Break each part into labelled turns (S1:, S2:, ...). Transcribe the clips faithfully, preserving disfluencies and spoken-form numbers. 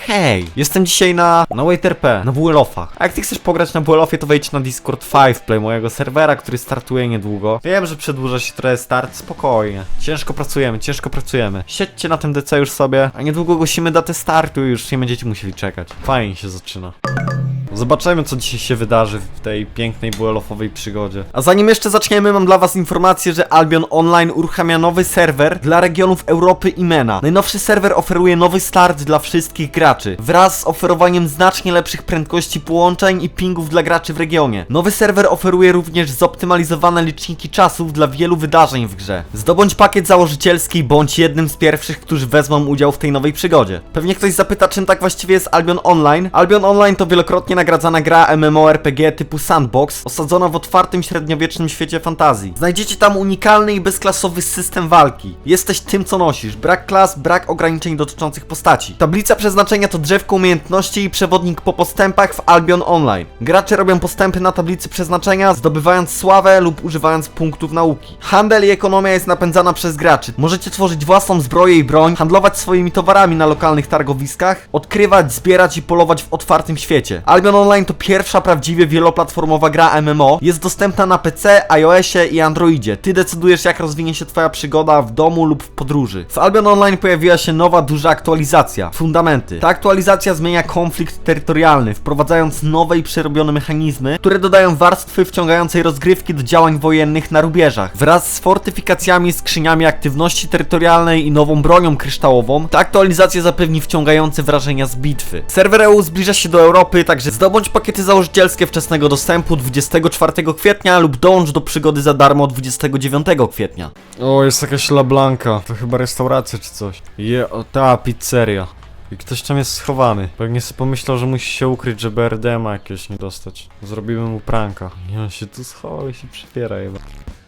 S1: Hej, jestem dzisiaj na, na Wait R P, na W L O F-ach. A jak ty chcesz pograć na W L O F-ie, to wejdź na Discord pięć Play, mojego serwera, który startuje niedługo. Wiem, że przedłuża się trochę start, spokojnie. Ciężko pracujemy, ciężko pracujemy. Siedźcie na tym D C już sobie, a niedługo ogłosimy datę startu i już nie będziecie musieli czekać. Fajnie się zaczyna. Zobaczymy, co dzisiaj się wydarzy w tej pięknej W L O F-owej przygodzie. A zanim jeszcze zaczniemy, mam dla was informację, że Albion Online uruchamia nowy serwer dla regionów Europy i MENA. Najnowszy serwer oferuje nowy start dla wszystkich graczy, wraz z oferowaniem znacznie lepszych prędkości połączeń i pingów dla graczy w regionie. Nowy serwer oferuje również zoptymalizowane liczniki czasów dla wielu wydarzeń w grze. Zdobądź pakiet założycielski, bądź jednym z pierwszych, którzy wezmą udział w tej nowej przygodzie. Pewnie ktoś zapyta, czym tak właściwie jest Albion Online. Albion Online to wielokrotnie nagradzana gra MMORPG typu sandbox, osadzona w otwartym średniowiecznym świecie fantazji. Znajdziecie tam unikalny i bezklasowy system walki. Jesteś tym, co nosisz. Brak klas, brak ograniczeń dotyczących postaci. Tablica przeznaczenia to drzewko umiejętności i przewodnik po postępach w Albion Online. Gracze robią postępy na tablicy przeznaczenia, zdobywając sławę lub używając punktów nauki. Handel i ekonomia jest napędzana przez graczy. Możecie tworzyć własną zbroję i broń, handlować swoimi towarami na lokalnych targowiskach, odkrywać, zbierać i polować w otwartym świecie. Albion Online to pierwsza prawdziwie wieloplatformowa gra M M O. Jest dostępna na P C, iOSie i Androidzie. Ty decydujesz, jak rozwinie się twoja przygoda w domu lub w podróży. W Albion Online pojawiła się nowa, duża aktualizacja. Fundamenty. Ta aktualizacja zmienia konflikt terytorialny, wprowadzając nowe i przerobione mechanizmy, które dodają warstwy wciągającej rozgrywki do działań wojennych na rubieżach. Wraz z fortyfikacjami, skrzyniami aktywności terytorialnej i nową bronią kryształową, ta aktualizacja zapewni wciągające wrażenia z bitwy. Serwer E U zbliża się do Europy, także zdobądź pakiety założycielskie wczesnego dostępu dwudziestego czwartego kwietnia lub dołącz do przygody za darmo dwudziestego dziewiątego kwietnia. O, jest jakaś La Blanca. To chyba restauracja czy coś. Je, o, ta pizzeria. I ktoś tam jest schowany. Pewnie sobie pomyślał, że musi się ukryć, żeby R D M a jakiegoś nie dostać. Zrobimy mu pranka. I on się tu schował i się przypiera chyba.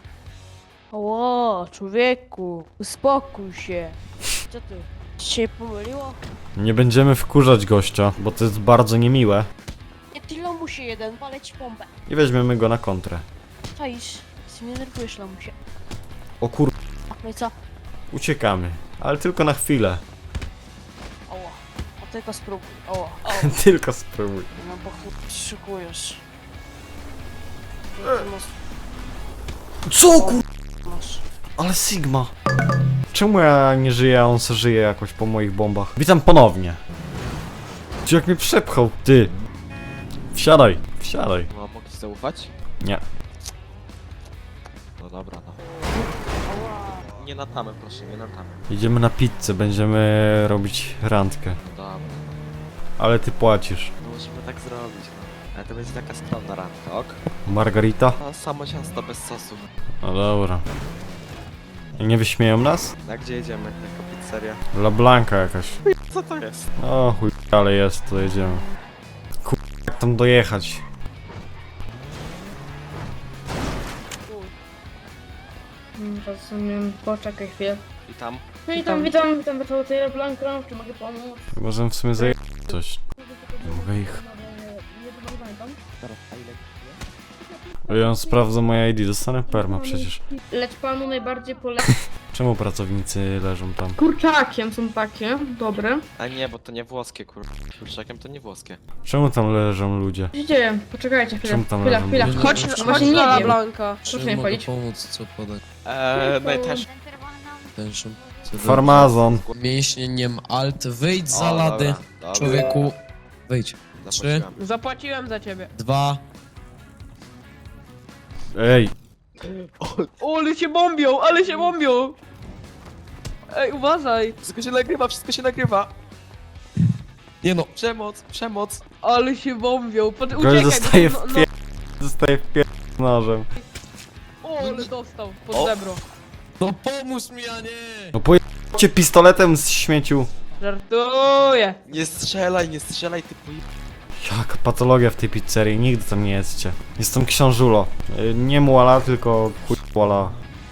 S2: Ło, człowieku, uspokój się. Co ty? Ci się pomyliło?
S1: Nie będziemy wkurzać gościa, bo to jest bardzo niemiłe.
S2: Nie ty lamusie jeden, palę ci pompę.
S1: I weźmiemy go na kontrę.
S2: Czaisz, ty mnie nerwujesz lamusie.
S1: O kur...
S2: No i co?
S1: Uciekamy. Ale tylko na chwilę.
S2: Oło, a tylko spróbuj. Oło, oło.
S1: Tylko spróbuj.
S2: No bo chuj, szykujesz.
S1: Co kur...
S2: Masz.
S1: Ale Sigma. Czemu ja nie żyję, a on se żyje jakoś po moich bombach? Witam ponownie. Czy jak mnie przepchał? Ty. Wsiadaj, wsiadaj.
S3: No, mogę ci zaufać?
S1: Nie.
S3: No dobra, no. Nie na tamę, proszę, nie na tamę.
S1: Idziemy na pizzę, będziemy robić randkę.
S3: No dobra.
S1: Ale ty płacisz.
S3: No musimy tak zrobić, no. Ale to będzie taka skromna randka, ok?
S1: Margarita?
S3: A samo ciasto bez sosu.
S1: No dobra. I nie wyśmieją nas?
S3: A gdzie jedziemy? Jako pizzeria?
S1: La Blanca jakaś.
S3: Co to jest?
S1: O chuj, ale jest, to jedziemy. Kur... jak tam dojechać?
S4: Rozumiem, poczekaj chwilę.
S3: I tam?
S4: Witam, witam, witam, witam, to jest Blanka, czy mogę pomóc?
S1: Możemy w sumie zajechać coś. Nie mogę ich.
S4: Nie pamiętam.
S3: Teraz, a ile?
S1: Ja sprawdzę moje I D, dostanę perma przecież.
S4: Lecz panu najbardziej polecam.
S1: Czemu pracownicy leżą tam?
S4: Kurczakiem są takie, dobre.
S3: A nie, bo to nie włoskie, kur... Kurczakiem to nie włoskie.
S1: Czemu tam leżą ludzie?
S4: Co się dzieje? Poczekajcie chwilę,
S1: Czemu tam
S4: chwila,
S1: leżą
S4: chwila.
S1: ludzie?
S4: Chodź,
S2: Chodź,
S4: no
S2: chodź
S4: właśnie
S2: na
S4: nie wiem.
S2: Blanka.
S4: Proszę
S5: Czy
S4: mi
S5: mogę
S4: powiedzieć.
S5: pomóc, co podać?
S3: Eee, no i też.
S5: Tęższą.
S1: Farmazon.
S5: Mięśnieniem alt, wyjdź z
S3: O,
S5: zalady.
S3: dobra, dobra.
S5: Człowieku, wyjdź. Trzy,
S3: Zapłaciłem.
S2: Zapłaciłem za ciebie.
S5: dwa,
S1: Ej,
S2: O, ale się bombią, ale się bombią. Ej, uważaj.
S3: Wszystko się nagrywa, wszystko się nagrywa.
S5: nie no,
S3: Przemoc, przemoc.
S2: Ale się bombią. Pod...
S1: gość
S2: Uciekaj,
S1: zostaje
S2: no,
S1: w
S2: no,
S1: pie... Zostaje w pie... nożem.
S2: O, ale dostał pod
S3: O.
S2: zebro.
S5: no pomóż mi, a nie!
S1: No pojedźcie pistoletem z śmieciu.
S2: Żartuję.
S3: Nie strzelaj, nie strzelaj, ty poj...
S1: Jaka patologia w tej pizzerii, nigdy tam nie jedzcie. Jestem książulo. Y, Nie muala, tylko chuj muala.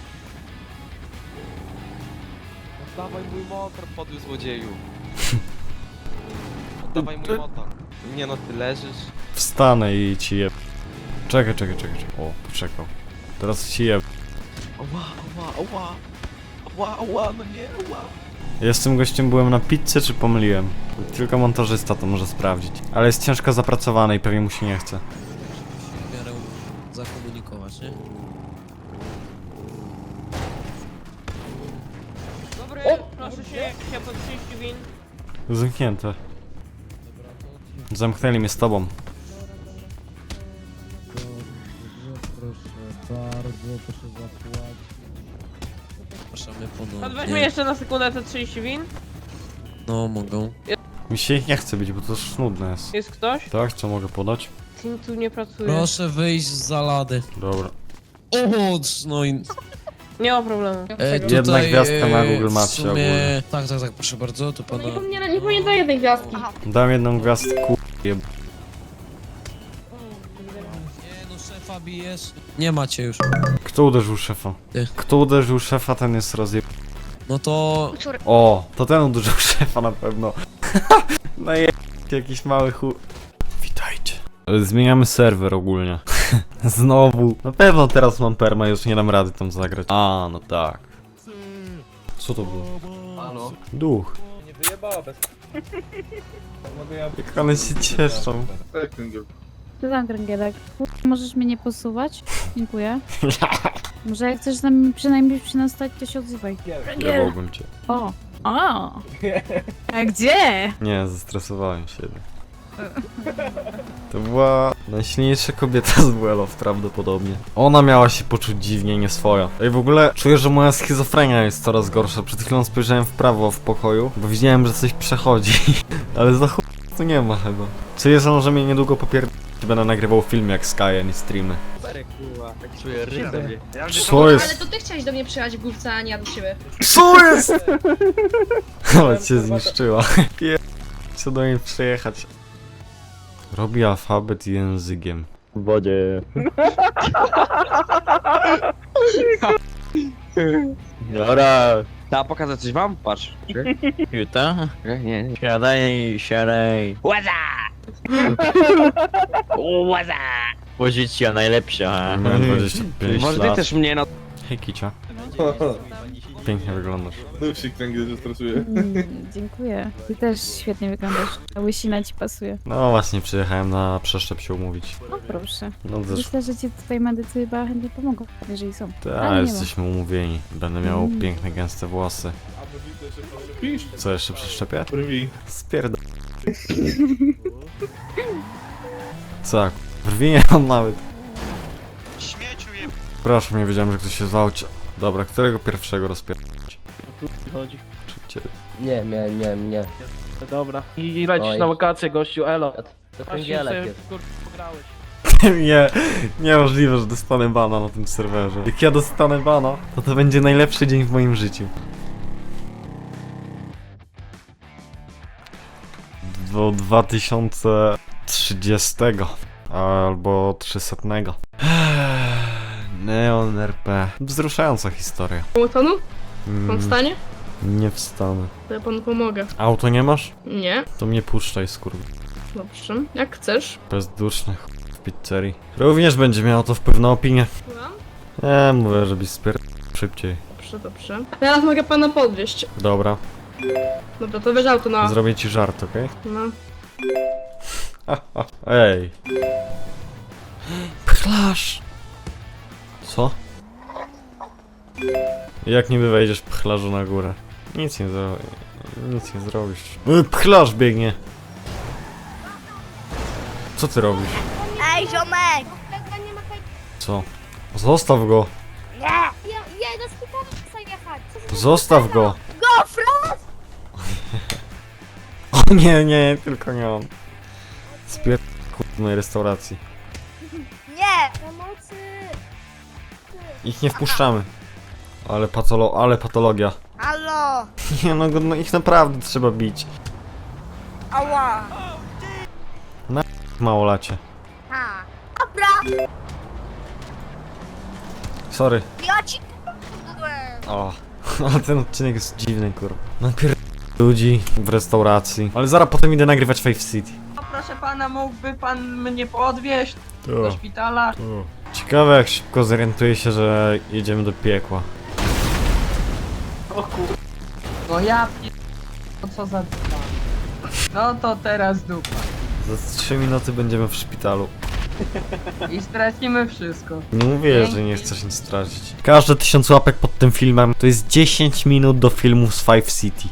S3: Oddawaj mój motor, podły złodzieju. Oddawaj mój motor. Nie no, ty leżysz.
S1: Wstanę i ci je... Czekaj, czekaj, czekaj, czekaj. O, poczekał. Teraz ci je...
S3: Ała, ała, ała. Ała, ała, no nie, ała.
S1: Ja z tym gościem byłem na pizzy, czy pomyliłem? Tylko montażysta to może sprawdzić. Ale jest ciężko zapracowany i pewnie mu się nie chce.
S5: W miarę zakomunikować, nie?
S2: Dobry, proszę się, się pod trzydzieści win.
S1: Zamknięte. Zamknęli mnie z tobą.
S5: Proszę bardzo, proszę zapłacić. Zapraszamy
S2: Pan weźmie
S5: ponownie.
S2: jeszcze na sekundę te trzydzieści win.
S5: No, mogą.
S1: Mi się ich nie chce bić, bo to już nudne jest.
S2: Jest ktoś?
S1: Tak, co mogę podać?
S2: Team tu nie pracuje.
S5: Proszę wyjść z zalady.
S1: Dobra.
S5: O, no i...
S2: Nie ma problemu.
S5: E,
S1: Jedna
S5: tutaj,
S1: gwiazdka na
S5: e,
S1: Google
S5: w
S1: Mapsie
S5: sumie-
S1: ogólnie.
S5: Tak, tak, tak, proszę bardzo, to pana...
S4: Nie powinien, nie powinien do jednej gwiazdki.
S1: Dam jedną gwiazdkę, ku... jeb...
S5: Nie no, szefa bijesz. Nie macie już.
S1: Kto uderzył szefa?
S5: Ty.
S1: Kto uderzył szefa, ten jest rozjeb...
S5: No to...
S1: O, to ten uderzył szefa na pewno. No je... jakiś mały chu... Witajcie. Zmieniamy serwer ogólnie. Znowu. Na pewno teraz mam perma, już nie dam rady tam zagrać. A, no tak. Co to było?
S3: Halo?
S1: Duch.
S3: Nie wyjebała bez...
S1: Jak one się cieszą.
S6: Co tam, Kręgielek? Możesz mnie nie posuwać? Dziękuję. Może jak chcesz z nami przynajmniej przynastać, to się odzywaj.
S1: Jebałbym cię.
S6: O! O! A gdzie?
S1: Nie, zestresowałem się. To była najsilniejsza kobieta z Buelow prawdopodobnie. Ona miała się poczuć dziwnie, nie swoja. Ej, w ogóle czuję, że moja schizofrenia jest coraz gorsza. Przed chwilą spojrzałem w prawo w pokoju, bo widziałem, że coś przechodzi. Ale za chuj tu nie ma chyba. Czy jest on, że mnie niedługo popier... Będę nagrywał film jak Sky, a nie streamy.
S3: Kurwa, tak czuję rytm.
S1: Co
S4: Ale
S1: jest?
S4: to ty chciałeś do mnie przyjechać w główce, a nie ja do ciebie.
S1: Co jest? Ale cię zniszczyła. Pier... Chcę do niej przyjechać. Robi alfabet językiem.
S3: W wodzie. Dobra. Ta pokazać coś wam? Patrz. Juta? Nie, nie. Siadaj, siadaj. Łaza! Łaza! Pozycja najlepsza.
S1: Miałem dwadzieścia pięć
S3: Może ty
S1: lat.
S3: też mnie no...
S1: Hej Kicia. Pięknie wyglądasz.
S7: Nowszy kręgiel, że stresuje.
S6: Mm, dziękuję. Ty też świetnie wyglądasz. Ta łysina ci pasuje.
S1: No właśnie, przyjechałem na przeszczep się umówić.
S6: O proszę.
S1: No też,
S6: Myślę, że ci tutaj medycy chyba chętnie pomogą, jeżeli są.
S1: ta,
S6: Ale nie ma.
S1: jesteśmy umówieni. Będę miał
S6: Mm.
S1: piękne, gęste włosy.
S7: A brwi też się lepisz?
S1: Co jeszcze przeszczepię?
S7: Brwi.
S1: Spierd... Co? jak? Brwi nie mam nawet.
S3: Śmieciu je...
S1: Proszę, nie wiedziałem, że ktoś się zwał. Cie- Dobra, którego pierwszego rozpierdolić?
S2: Chodzi.
S1: Czy cię...
S8: Nie, nie, nie, nie.
S2: Dobra. I lecisz
S8: Oj.
S2: na wakacje, gościu, elo.
S8: To
S2: Właśnie
S8: kręgielek
S2: sobie,
S8: jest.
S2: kur- pograłeś.
S1: Nie, niemożliwe, że dostanę bana na tym serwerze. Jak ja dostanę bana, to to będzie najlepszy dzień w moim życiu. Do dwa tysiące trzydziestego albo trzysta. Neon R P. Wzruszająca historia.
S4: Łotonu? Pan
S1: Mm,
S4: wstanie?
S1: nie wstanę.
S4: To ja panu pomogę.
S1: Auto nie masz?
S4: Nie?
S1: To mnie puszczaj, skurw.
S4: Dobrze. Jak chcesz.
S1: Bezduszny ch... w pizzerii. Również będzie miało to wpływ na opinię.
S4: Słucham?
S1: Nie, mówię, żebyś spier... szybciej.
S4: Dobrze, dobrze. Teraz mogę pana podwieźć.
S1: Dobra,
S4: Dobra, to weź auto na...
S1: zrobię ci żart, okej?
S4: No.
S1: Ej. Pchlasz! Co? Jak niby wejdziesz pchlarzu na górę? Nic nie zro... Nic nie zrobisz. Y, Pchlarz biegnie! Co ty robisz?
S9: Ej, ziomek!
S1: Co? Zostaw go!
S9: Nie! Ja, ja do sklepu chcę jechać. Co za-
S1: Zostaw go!
S9: Gofro!
S1: O nie, nie, tylko nie on. Spier... w mojej restauracji.
S9: Nie! Pomocy!
S1: Ich nie wpuszczamy. Ale patolo... ale patologia.
S9: Halo!
S1: Nie no, go- no ich naprawdę trzeba bić.
S9: Ała!
S1: Małolacie.
S9: Ha! Dobra!
S1: Sorry.
S9: Ja ci byłem!
S1: O, ale ten odcinek jest dziwny, kurwa. Napier... ludzi w restauracji. Ale zaraz potem idę nagrywać Five City.
S2: Proszę pana, mógłby pan mnie podwieźć do szpitala?
S1: Ciekawe jak szybko zorientuję się, że jedziemy do piekła.
S2: O kur... No ja pi... No co za dupa. No to teraz dupa.
S1: Za trzy minuty będziemy w szpitalu.
S2: I stracimy wszystko.
S1: Nie mówię, że nie chcesz nic stracić. Każde tysiąc łapek pod tym filmem to jest dziesięć minut do filmu z Five City.